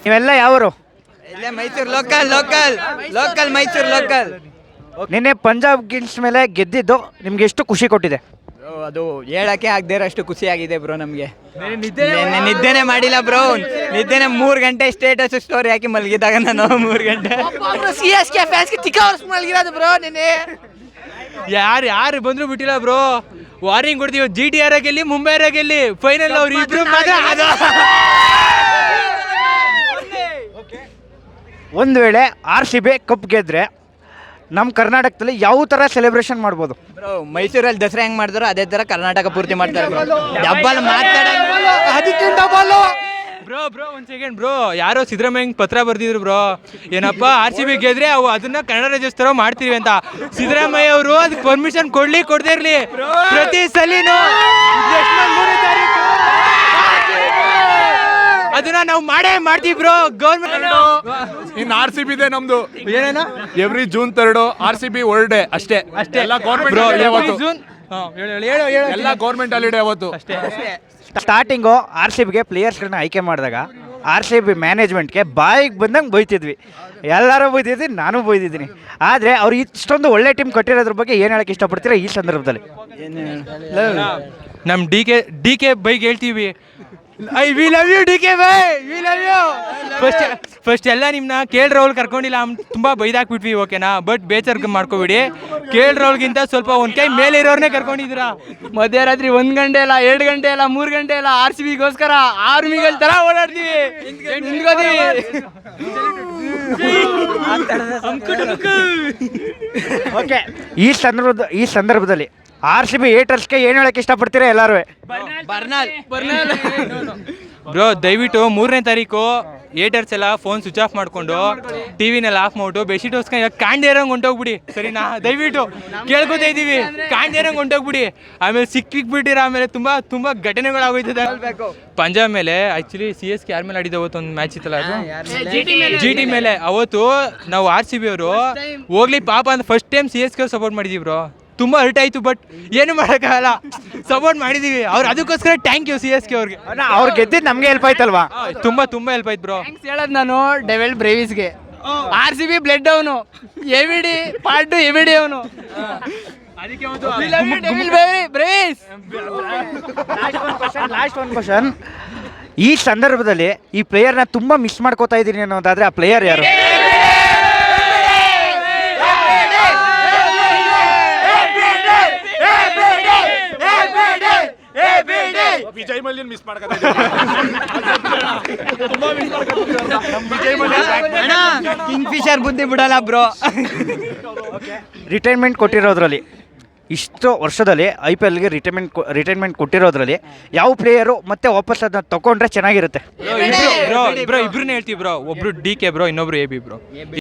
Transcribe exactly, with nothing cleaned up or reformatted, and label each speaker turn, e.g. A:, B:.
A: ನೀವೆಲ್ಲ ಯಾವರು?
B: ಇಲ್ಲೇ Mysuru local local local Mysuru local.
A: ನಿನ್ನೆ ಪಂಜಾಬ್ ಕಿಂಗ್ಸ್ ಮೇಲೆ ಗೆದ್ದಿದ್ದು ನಿಮ್ಗೆ ಎಷ್ಟು ಖುಷಿ ಕೊಟ್ಟಿದೆ?
B: ಅದು ಹೇಳಕ್ಕೆ ಆಗದೆ ಅಷ್ಟು ಖುಷಿಯಾಗಿದೆ ಬ್ರೋ ನಮಗೆ. ನಿದ್ದೆನೆ ಮಾಡಿಲ್ಲ ಬ್ರೋ, ನಿದ್ದೆನೆ ಮೂರು ಗಂಟೆ ಸ್ಟೇಟಸ್ ಸ್ಟೋರಿ ಹಾಕಿ ಮಲಗಿದಾಗ ನಾನು ಮೂರು ಗಂಟೆ
C: ಸಿ ಎಸ್ ಕೆ ಫ್ಯಾನ್ಸ್ಗೆ ತಿಕ್ಕ ವರ್ಷ ಮಲಗಿರೋದು ಬ್ರೋ. ನಿನ್ನೆ
D: ಯಾರು ಯಾರು ಬಂದ್ರು ಬಿಟ್ಟಿಲ್ಲ ಬ್ರೋ. ವಾರ್ನಿಂಗ್ ಕೊಡ್ತೀವಿ, ಜಿ ಟಿ ಆರ್ ಗೆಲ್ಲಿ ಮುಂಬೈ ಗೆಲ್ಲಿ ಫೈನಲ್ ಅವ್ರು ಇಬ್ರು ಮಾತ್ರ.
A: ಒಂದು ವೇಳೆ ಆರ್ ಸಿ ಬಿ ಕಪ್ ಗೆದ್ರೆ ನಮ್ಮ ಕರ್ನಾಟಕದಲ್ಲಿ ಯಾವ ಥರ ಸೆಲೆಬ್ರೇಷನ್ ಮಾಡ್ಬೋದು?
B: ಬ್ರೋ ಮೈಸೂರಲ್ಲಿ ದಸರಾ ಹೆಂಗ್ ಮಾಡಿದ್ರು ಅದೇ ತರ ಕರ್ನಾಟಕ ಪೂರ್ತಿ ಮಾಡ್ತಾರೆ ಬ್ರೋ. ಡಬ್ಬಲ್
D: ಬ್ರೋ ಬ್ರೋ ಒಂದ್ ಸೆಕೆಂಡ್ ಬ್ರೋ, ಯಾರೋ ಸಿದ್ದರಾಮಯ್ಯ ಪತ್ರ ಬರ್ದಿದ್ರು ಬ್ರೋ, ಏನಪ್ಪ ಆರ್ ಸಿ ಬಿ ಗೆದ್ರೆ ಅವು ಅದನ್ನ ಕನ್ನಡ ರಾಜ್ಯೋತ್ಸವ ಮಾಡ್ತೀವಿ ಅಂತ. ಸಿದ್ದರಾಮಯ್ಯ ಅವರು ಅದಕ್ಕೆ ಪರ್ಮಿಷನ್ ಕೊಡ್ಲಿ ಕೊಡದೇ ಇರ್ಲಿ, ಪ್ರತಿ ಸಲಿನೂ ಮೂರನೇ ತಾರೀಕು ಅದನ್ನ ನಾವು ಮಾಡೇ ಮಾಡ್ತೀವಿ ಬ್ರೋ. ಗೌರ್ಮೆಂಟ್
E: ಇನ್ನು ಆರ್ ಸಿ ಬಿ ಇದೆ ನಮ್ದು.
D: ಏನೇನ
E: every June third R C B world day ಅಷ್ಟೇ
D: ಅಷ್ಟೇ
E: ಎಲ್ಲ ಗೌರ್ಮೆಂಟ್
D: ಬ್ರೋ.
E: ಅವತ್ತು
D: ಜೂನ್
E: ಎಲ್ಲ ಗೌರ್ಮೆಂಟ್ ಹಾಲಿಡೇ ಅವತ್ತು
D: ಅಷ್ಟೇ.
A: ಸ್ಟಾರ್ಟಿಂಗು ಆರ್ ಸಿ ಬಿಗೆ ಪ್ಲೇಯರ್ಸ್ಗಳನ್ನ ಆಯ್ಕೆ ಮಾಡಿದಾಗ ಆರ್ ಸಿ ಬಿ ಮ್ಯಾನೇಜ್ಮೆಂಟ್ಗೆ ಬಾಯಿಗೆ ಬಂದಂಗೆ ಬೈತಿದ್ವಿ, ಎಲ್ಲರೂ ಬೈತಿದ್ವಿ, ನಾನು ಬೈದಿದ್ದೀನಿ. ಆದರೆ ಅವ್ರು ಇಷ್ಟೊಂದು ಒಳ್ಳೆ ಟೀಮ್ ಕಟ್ಟಿರೋದ್ರ ಬಗ್ಗೆ ಏನು ಹೇಳಕ್ಕೆ ಇಷ್ಟಪಡ್ತೀರಾ ಈ ಸಂದರ್ಭದಲ್ಲಿ?
D: ನಮ್ ಡಿ ಕೆ ಡಿ ಕೆ ಬೈಗೆ ಹೇಳ್ತೀವಿ, I we love you D K ಬೈ, we love you. First first ಎಲ್ಲ ನಿಮ್ಮನ್ನ ಕೇಳ್ ರಾಹುಲ್ ಕರ್ಕೊಂಡಿಲ್ಲ, ತುಂಬ ಬೈದಾಕ್ಬಿಟ್ವಿ ಓಕೆನಾ, ಬಟ್ ಬೇಜಾರ್ ಮಾಡ್ಕೋಬಿಡಿ. ಕೇಳ್ ರಾಹುಲ್ಗಿಂತ ಸ್ವಲ್ಪ ಒಂದು ಕೈ ಮೇಲೆ ಇರೋರ್ನೇ ಕರ್ಕೊಂಡಿದ್ದೀರಾ.
B: ಮಧ್ಯರಾತ್ರಿ ಒಂದ್ ಗಂಟೆ ಇಲ್ಲ, ಎರಡು ಗಂಟೆ ಇಲ್ಲ, ಮೂರು ಗಂಟೆ ಇಲ್ಲ, ಆರ್ ಸಿ ಬಿಗೋಸ್ಕರ ಆರ್ಮಿಗಳ ತರ ಓಡಾಡ್ತೀವಿ, ನಿಂತ್ಕೋತೀವಿ.
A: ಓಕೆ, ಈ ಸಂದರ್ಭದ ಈ ಸಂದರ್ಭದಲ್ಲಿ ಆರ್ ಸಿ ಬಿ ಏಟರ್ಸ್ಗೆ ಏನು ಹೇಳಕ್ಕೆ ಇಷ್ಟಪಡ್ತೀರಾ ಎಲ್ಲರೂ?
B: ಬರ್ನಾಲ್
D: ಬ್ರೋ ದಯವಿಟ್ಟು ಮೂರನೇ ತಾರೀಕು ಏಟರ್ಸ್ ಎಲ್ಲ ಫೋನ್ ಸ್ವಿಚ್ ಆಫ್ ಮಾಡಿಕೊಂಡು ಟಿ ವಿನೆಲ್ಲ ಆಫ್ ಮಾಡ್ಬಿಟ್ಟು ಬೆಡ್ಶೀಟ್ ಹೊಸ್ಕೊಂಡು ಕಾಣ್ದೇರಂಗೆ ಹೊಂಟೋಗ್ಬಿಡಿ, ಸರಿನಾ? ದಯವಿಟ್ಟು ಕೇಳ್ಕೊತಾ ಇದ್ದೀವಿ, ಕಾಣ್ದೇರಂಗೆ ಹೊಂಟೋಗ್ಬಿಡಿ. ಆಮೇಲೆ ಸಿಕ್ಕಿಕ್ಬಿಟ್ಟಿರ ಆಮೇಲೆ ತುಂಬ ತುಂಬ ಘಟನೆಗಳಾಗೋಯ್ತದೆ. ಪಂಜಾಬ್ ಮೇಲೆ ಆ್ಯಕ್ಚುಲಿ ಸಿ ಎಸ್ ಕೆ ಯಾರ ಮೇಲೆ ಆಡಿದ ಅವತ್ತು ಒಂದು ಮ್ಯಾಚ್ ಇತ್ತಲ್ಲ, ಅದು ಜಿ ಟಿ ಮೇಲೆ. ಅವತ್ತು ನಾವು ಆರ್ ಸಿ ಬಿ ಅವರು ಹೋಗ್ಲಿ ಪಾಪ ಅಂತ first time C S K support ಮಾಡಿದ್ದೀವಿ ಬ್ರೋ. ತುಂಬ ಹರ್ಟ್ ಆಯಿತು, ಬಟ್ ಏನು ಮಾಡೋಕ್ಕಾಗಲ್ಲ, ಸಪೋರ್ಟ್ ಮಾಡಿದ್ದೀವಿ ಅವ್ರು. ಅದಕ್ಕೋಸ್ಕರ thank you C S K ಅವ್ರಿಗೆ.
A: ಅವ್ರು ಗೆದ್ದಿದ್ದು ನಮಗೆ ಹೆಲ್ಪ್ ಆಯ್ತಲ್ವಾ?
D: ತುಂಬ ತುಂಬ ಹೆಲ್ಪ್ ಆಯ್ತು ಬ್ರೋ.
B: ಹೇಳೋದು ನಾನು ಡೆವೆಲ್ ಬ್ರೇವಿಸ್ಗೆ, ಆರ್ ಸಿ ಬಿ ಬ್ಲಡ್ ಅವನು, A B D part A B D ಅವನು.
A: ಲಾಸ್ಟ್ ಒಂದು ಕ್ವಶನ್, ಈ ಸಂದರ್ಭದಲ್ಲಿ ಈ ಪ್ಲೇಯರ್ನ ತುಂಬ ಮಿಸ್ ಮಾಡ್ಕೋತಾ ಇದ್ದೀನಿ ಅನ್ನೋದಾದ್ರೆ ಆ ಪ್ಲೇಯರ್ ಯಾರು?
E: ವಿಜಯ್ ಮಲ್ಯನ್ ಮಿಸ್ ಮಾಡ್ಕೊತಾ ಇದ್ದೀವಿ.
B: ಕಿಂಗ್ ಫಿಶರ್ ಬುದ್ಧಿ ಬಿಡಲ್ಲ ಬ್ರೋ.
A: ರಿಟೈರ್ಮೆಂಟ್ ಕೊಟ್ಟಿರೋದ್ರಲ್ಲಿ, ಇಷ್ಟು ವರ್ಷದಲ್ಲಿ ಐ ಪಿ ಎಲ್ಗೆ ರಿಟೈರ್ಮೆಂಟ್ ರಿಟೈರ್ಮೆಂಟ್ ಕೊಟ್ಟಿರೋದ್ರಲ್ಲಿ ಯಾವ ಪ್ಲೇಯರು ಮತ್ತೆ ವಾಪಸ್ ಅದನ್ನ ತಗೊಂಡ್ರೆ ಚೆನ್ನಾಗಿರುತ್ತೆ?
D: ಬ್ರೋ ಬ್ರೋ ಇಬ್ರನ್ನ ಹೇಳ್ತೀವಿ ಬ್ರೋ. ಒಬ್ರು ಡಿ ಕೆ ಬ್ರೋ, ಇನ್ನೊಬ್ರು ಎ ಬಿ ಬ್ರೋ.